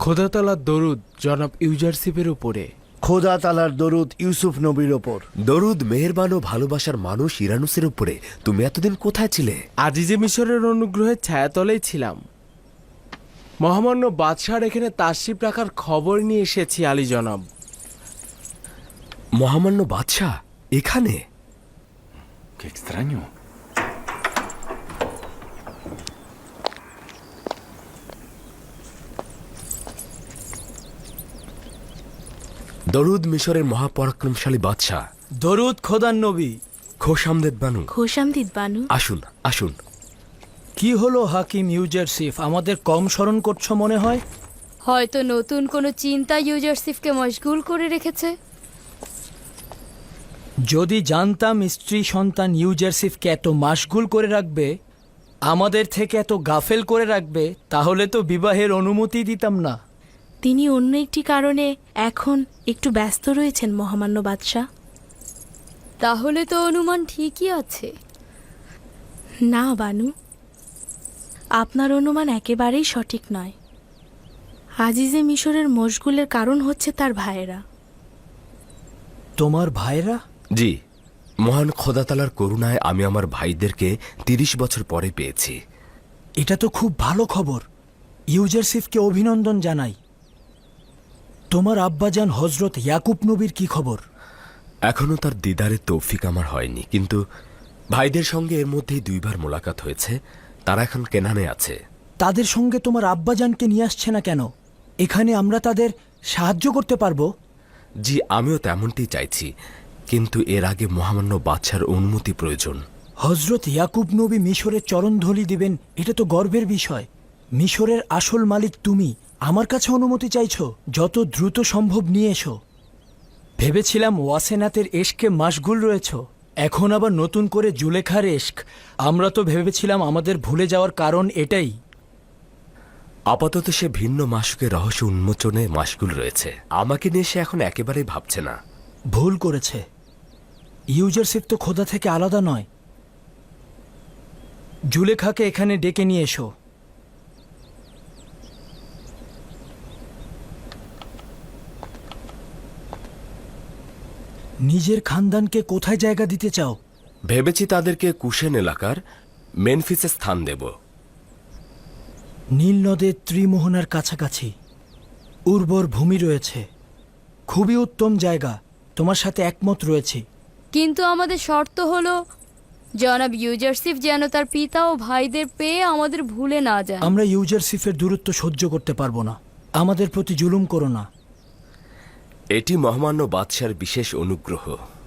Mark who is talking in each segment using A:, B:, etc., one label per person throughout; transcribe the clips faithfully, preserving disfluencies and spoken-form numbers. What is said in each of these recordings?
A: খোদা তাআলার দরুদ জনাব ইউজারশিপের উপরে।
B: খোদা তাআলার দরুদ ইউসুফ নবীর ওপর।
C: দরুদ মেহেরবান ও ভালোবাসার মানুষ ইরানুসের উপরে। তুমি এতদিন কোথায় ছিলে?
A: আজিজে মিশরের অনুগ্রহের ছায়াতলেই ছিলাম। মহামান্য বাদশাহর এখানে তাশরিফ রাখার খবর নিয়ে এসেছি আলী জনাব।
C: মহামান্য বাদশাহ এখানে?
D: Qué extraño.
C: দরুদ মিশরের মহাপরাক্রমশালী বাদশাহ।
E: দরুদ খোদার নবী।
C: খোশামদেদ বানু।
F: খোশামদিদ বানু।
C: আসুন আসুন।
E: কি হলো হাকিম ইউজারশিফ, আমাদের কম স্মরণ করছো মনে হয়?
F: হয়তো নতুন কোনো চিন্তা ইউজারশিফকে মশগুল করে রেখেছে।
E: যদি জানতাম স্ত্রী সন্তান ইউজারশিফকে এত মাশগুল করে রাখবে, আমাদের থেকে এত গাফেল করে রাখবে, তাহলে তো বিবাহের অনুমতি দিতাম না।
G: তিনি অন্য একটি কারণে এখন একটু ব্যস্ত রয়েছেন মহামান্য বাদশাহ।
F: তাহলে তো অনুমান ঠিকই আছে।
G: না বানু, আপনার অনুমান একেবারেই সঠিক নয়। আজিজে মিশরের মশগুলের কারণ হচ্ছে তার ভাইয়েরা।
E: তোমার ভাইরা?
C: জি, মহান খোদা তাআলার করুণায় আমি আমার ভাইদেরকে তিরিশ বছর পরে পেয়েছি।
E: এটা তো খুব ভালো খবর। ইউজারশিফকে অভিনন্দন জানাই। তোমার আব্বাজান হজরত ইয়াকুব নবীর কি খবর?
C: এখনো তার দিদারের তৌফিক আমার হয়নি, কিন্তু ভাইদের সঙ্গে এর মধ্যেই দুইবার মোলাকাত হয়েছে। তারা এখন কেনানে আছে।
E: তাদের সঙ্গে তোমার আব্বাজানকে নিয়ে আসছে না কেন? এখানে আমরা তাদের সাহায্য করতে পারবো।
C: জি, আমিও তেমনটি চাইছি, কিন্তু এর আগে মহামান্য বাদশার অনুমতি প্রয়োজন।
E: হজরত ইয়াকুব নবী মিশরের চরণধলি দিবেন, এটা তো গর্বের বিষয়। মিশরের আসল মালিক তুমি, আমার কাছে অনুমতি চাইছো? যত দ্রুত সম্ভব নিয়ে এসো। ভেবেছিলাম ওয়াসেনাতের এশকে মাশগুল রয়েছ, এখন আবার নতুন করে জুলেখার এশক। আমরা তো ভেবেছিলাম আমাদের ভুলে যাওয়ার কারণ এটাই।
C: আপাতত সে ভিন্ন মাসুকের রহস্য উন্মোচনে মাশগুল রয়েছে। আমাকে নিয়ে সে এখন একেবারেই ভাবছে না।
E: ভুল করেছে। ইউজারশিপ তো খোদা থেকে আলাদা নয়। জুলেখাকে এখানে ডেকে নিয়ে এসো। নিজের খানদানকে কোথায় জায়গা দিতে চাও?
C: ভেবেছি তাদেরকে কুশেন এলাকার মেনফিসে স্থান দেব।
E: নীল নদের ত্রিমোহনার কাছাকাছি উর্বর ভূমি রয়েছে, খুবই উত্তম জায়গা। তোমার সাথে একমত রয়েছে।
F: কিন্তু আমাদের শর্ত হলো জনাব ইউজারশিফ যেন তার পিতা ও ভাইদের পেয়ে আমাদের ভুলে না যায়।
E: আমরা ইউজারশিফের দূরত্ব সহ্য করতে পারবো না। আমাদের প্রতি জুলুম করো না।
C: এটি মহামান্য বাদশার বিশেষ অনুগ্রহ।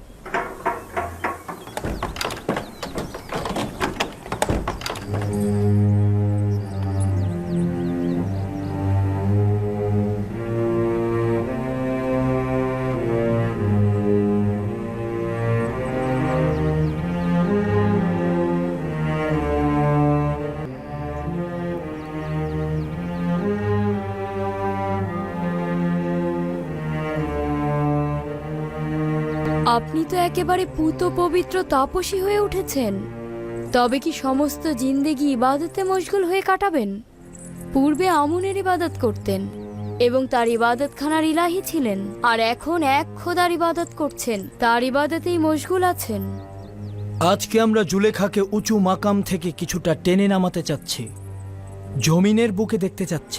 F: আপনি তো একেবারে পুত পবিত্র তাপসী হয়ে উঠেছেন। তবে কি সমস্ত জিন্দেগি ইবাদতে মশগুল হয়ে কাটাবেন? পূর্বে আমুনের ইবাদত করতেন এবং তার ইবাদতখানার ইলাহি ছিলেন, আর এখন এক খোদার ইবাদত করছেন, তার ইবাদতেই মশগুল আছেন।
E: আজকে আমরা জুলেখাকে উঁচু মাকাম থেকে কিছুটা টেনে নামাতে চাচ্ছি, জমিনের বুকে দেখতে চাচ্ছি।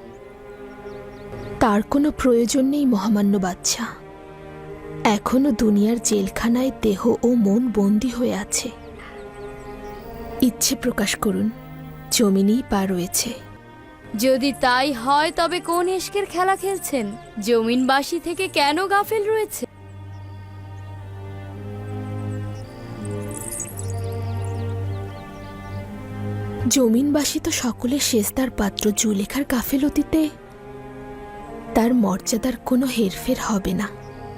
G: তার কোনো প্রয়োজন নেই মহামান্য বাদশাহ। এখনো দুনিয়ার জেলখানায় দেহ ও মন বন্দী হয়ে আছে। ইচ্ছে প্রকাশ করুন, জমিনেই পা রয়েছে।
F: যদি তাই হয় তবে কোন ইশকের খেলা খেলছেন? জমিনবাসী থেকে কেন গাফেল রয়েছে?
G: জমিনবাসী তো সকলের শেষদার পাত্র। জুলেখার গাফেলতিতে তার মর্যাদার কোনো হেরফের হবে না।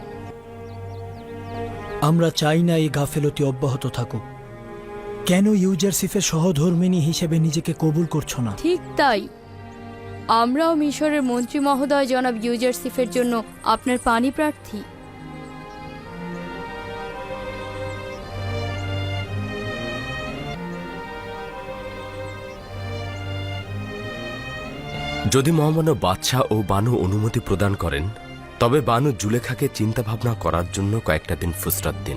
E: আমরা চাই না এই গাফেলতি অব্যাহত থাকুক। কেন ইউজারশিফের সহধর্মিণী হিসেবে নিজেকে কবুল করছো না?
F: ঠিক তাই। আমরাও মিশরের মন্ত্রী মহোদয় জনাব ইউজারশিফের জন্য আপনার পানি প্রার্থী।
C: যদি মহামান্য বাদশাহ ও বানু অনুমতি প্রদান করেন তবে বানু জুলেখাকে চিন্তা ভাবনা করার জন্য কয়েকটা দিন ফুসরাত দিন।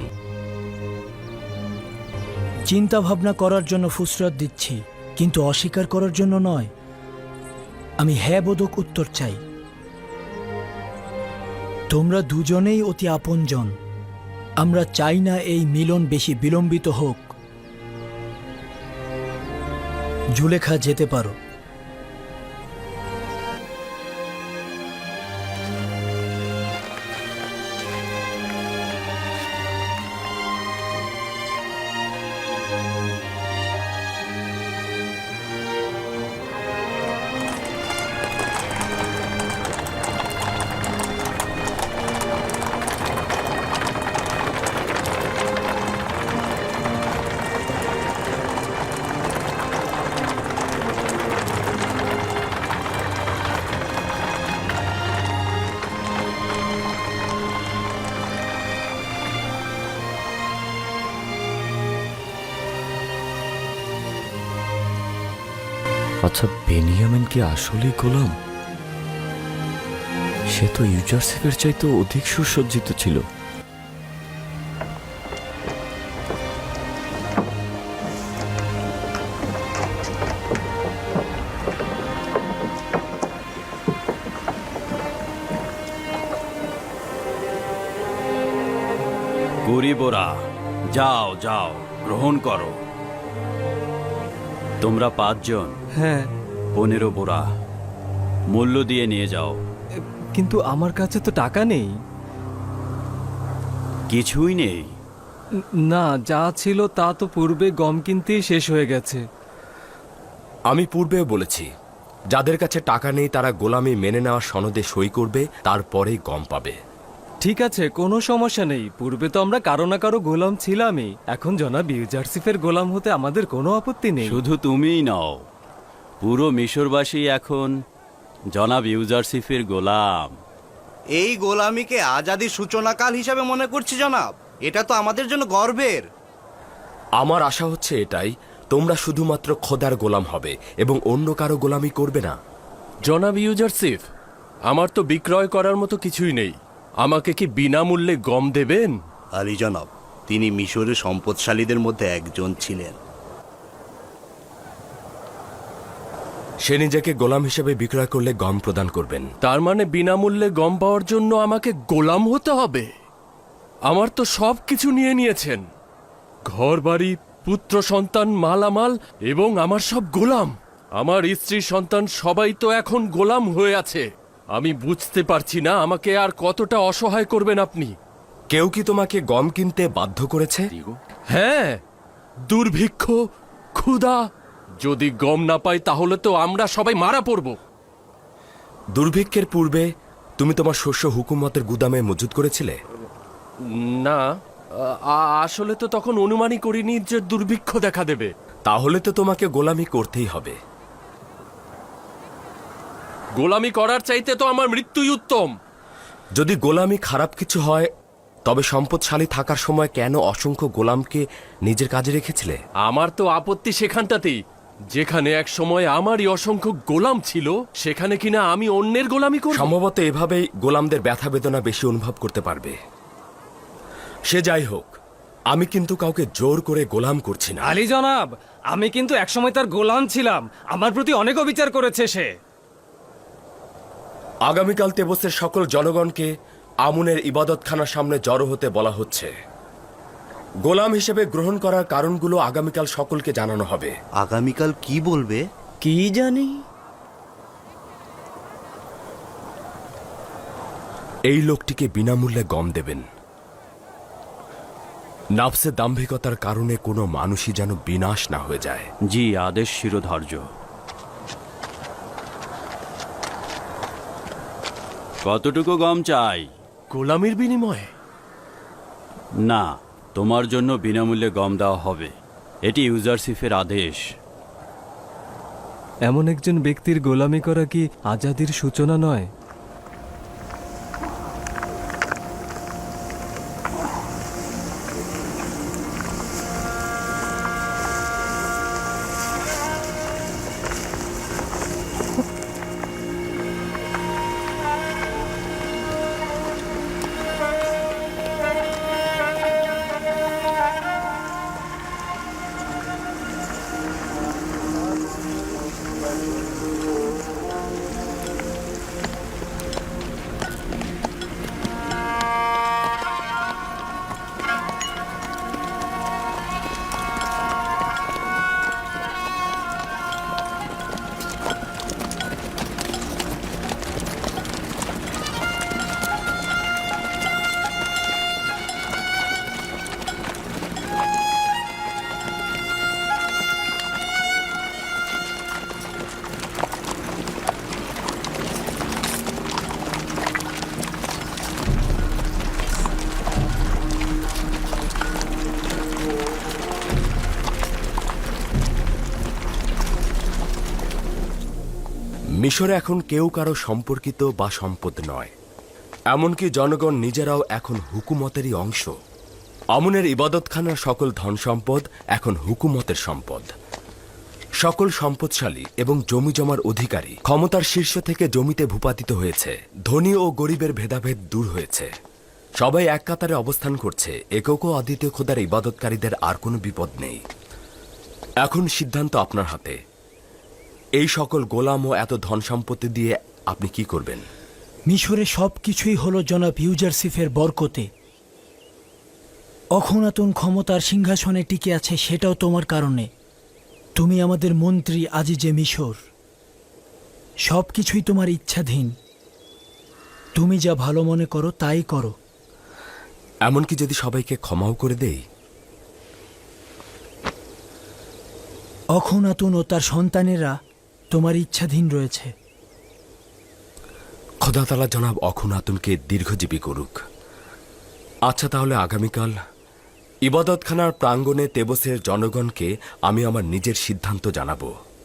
E: চিন্তা ভাবনা করার জন্য ফুসরত দিচ্ছি, কিন্তু অস্বীকার করার জন্য নয়। আমি হ্যাঁ বোধক উত্তর চাই। তোমরা দুজনেই অতি আপনজন। আমরা চাই না এই মিলন বেশি বিলম্বিত হোক। জুলেখা যেতে পারো।
D: আচ্ছা, বেনিয়ামিন কি আসলেই গোলাম? সে তো ইউজারসিফের চাইতে অধিক সুসজ্জিত ছিল।
H: গরিবরা, যাও যাও, গ্রহণ করো। তোমরা পাঁচজন,
I: হ্যাঁ,
H: পনেরো বোরা মূল্য দিয়ে নিয়ে যাও।
I: কিন্তু আমার কাছে তো টাকা নেই।
H: কিছুই নেই?
I: না, যা ছিল তা তো পূর্বে গম কিনতেই শেষ হয়ে গেছে।
C: আমি পূর্বেও বলেছি, যাদের কাছে টাকা নেই তারা গোলামি মেনে নেওয়ার সনদে সই করবে, তারপরেই গম পাবে।
I: ঠিক আছে, কোনো সমস্যা নেই। পূর্বে তো আমরা কারো না কারো গোলাম ছিলামই। এখন জনাব ইউজারসিফের গোলাম হতে আমাদের কোনো আপত্তি নেই।
H: শুধু তুমিই নও, পুরো মিশরবাসী এখন জনাব ইউজারসিফের গোলাম।
J: এই গোলামিকে আজাদির সূচনাকাল হিসাবে মনে করছি জনাব। এটা তো আমাদের জন্য গর্বের।
C: আমার আশা হচ্ছে এটাই, তোমরা শুধুমাত্র খোদার গোলাম হবে এবং অন্য কারো গোলামি করবে না।
A: জনাব ইউজারসিফ, আমার তো বিক্রয় করার মতো কিছুই নেই। আমাকে কি বিনামূল্যে গম দেবেন?
J: আলী জনাব, তিনি মিশরের সম্পদশালীদের মধ্যে একজন ছিলেন।
C: সে নিজেকে গোলাম হিসেবে বিক্রয় করলে গম প্রদান করবেন।
A: তার মানে বিনামূল্যে গম পাওয়ার জন্য আমাকে গোলাম হতে হবে? আমার তো সব কিছু নিয়ে নিয়েছেন, ঘর বাড়ি, পুত্র সন্তান, মালামাল, এবং আমার সব গোলাম। আমার স্ত্রী সন্তান সবাই তো এখন গোলাম হয়ে আছে। আমি বুঝতে পারছি না আমাকে আর কতটা অসহায় করবেন আপনি।
C: কেউ কি তোমাকে গম কিনতে বাধ্য করেছে?
A: হ্যাঁ, দুর্ভিক্ষ, ক্ষুধা। যদি গম না পাই তাহলে তো আমরা সবাই মারা পড়ব।
C: দুর্ভিক্ষের পূর্বে তুমি তোমার শস্য হুকুমতের গুদামে মজুত করেছিলে?
A: না, আ- আসলে তো তখন অনুমানই করিনি যে দুর্ভিক্ষ দেখা দেবে।
C: তাহলে তো তোমাকে গোলামি করতেই হবে।
A: গোলামি করার চাইতে তো আমার মৃত্যুই উত্তম।
C: যদি গোলামি খারাপ কিছু হয়, তবে সম্পদশালী থাকার সময় কেন অসংখ্য গোলামকে নিজের কাজে রেখেছিলে?
A: আমার তো আপত্তি সেখানটাতেই, যেখানে এক সময় আমারই অসংখ্য গোলাম ছিল, সেখানে কিনা আমি অন্যের গোলামি করব।
C: সম্ভবত এভাবেই গোলামদের ব্যথা বেদনা বেশি অনুভব করতে পারবে। সে যাই হোক, আমি কিন্তু কাউকে জোর করে গোলাম করছি না।
I: আলী জনাব, আমি কিন্তু একসময় তার গোলাম ছিলাম। আমার প্রতি অনেক অবিচার করেছে সে।
C: আগামীকাল তেবসের সকল জনগণকে আমুনের ইবাদতখানার সামনে জড়ো হতে বলা হচ্ছে। গোলাম হিসেবে গ্রহণ করার কারণগুলো আগামীকাল সকলকে জানানো হবে।
J: আগামীকাল কি বলবে?
E: কি জানি।
C: এই লোকটিকে বিনামূল্যে গম দেবেন। নাফসে দাম্ভিকতার কারণে কোনো মানুষই যেন বিনাশ না হয়ে যায়।
H: জি, আদেশ শিরোধার্য। কতটুকু গম চাই?
A: গোলামির বিনিময়ে?
H: না, তোমার জন্য বিনামূল্যে গম দেওয়া হবে। এটি ইউজারসিফের আদেশ।
I: এমন একজন ব্যক্তির গোলামি করা কি আজাদির সূচনা নয়?
C: মিশরে এখন কেউ কারো সম্পর্কিত বা সম্পদ নয়, এমনকি জনগণ নিজেরাও এখন হুকুমতেরই অংশ। আমুনের ইবাদতখানার সকল ধন সম্পদ এখন হুকুমতের সম্পদ। সকল সম্পদশালী এবং জমি জমার অধিকারী ক্ষমতার শীর্ষ থেকে জমিতে ভূপাতিত হয়েছে। ধনী ও গরিবের ভেদাভেদ দূর হয়েছে। সবাই এক কাতারে অবস্থান করছে। একক ও অদ্বিতীয় খোদার ইবাদতকারীদের আর কোনো বিপদ নেই। এখন সিদ্ধান্ত আপনার হাতে। এই সকল গোলাম ও এত ধন সম্পত্তি দিয়ে আপনি কি করবেন?
E: মিশরে সব কিছুই হলো জনাব ইউজারসিফের বরকতে। অখনাতুন ক্ষমতার সিংহাসনে টিকে আছে সেটাও তোমার কারণে। তুমি আমাদের মন্ত্রী আজিজে মিশর। সব কিছুই তোমার ইচ্ছাধীন। তুমি যা ভালো মনে করো তাই করো।
C: এমনকি যদি সবাইকে ক্ষমাও করে দেই?
E: অখনাতুন ও তার সন্তানেরা তোমার ইচ্ছাধীন রয়েছে।
C: খোদা তাআলা জনাব অখনাতুনকে দীর্ঘজীবী করুক। আচ্ছা, তাহলে আগামীকাল ইবাদতখানার প্রাঙ্গণে তেবসের জনগণকে আমি আমার নিজের সিদ্ধান্ত জানাবো।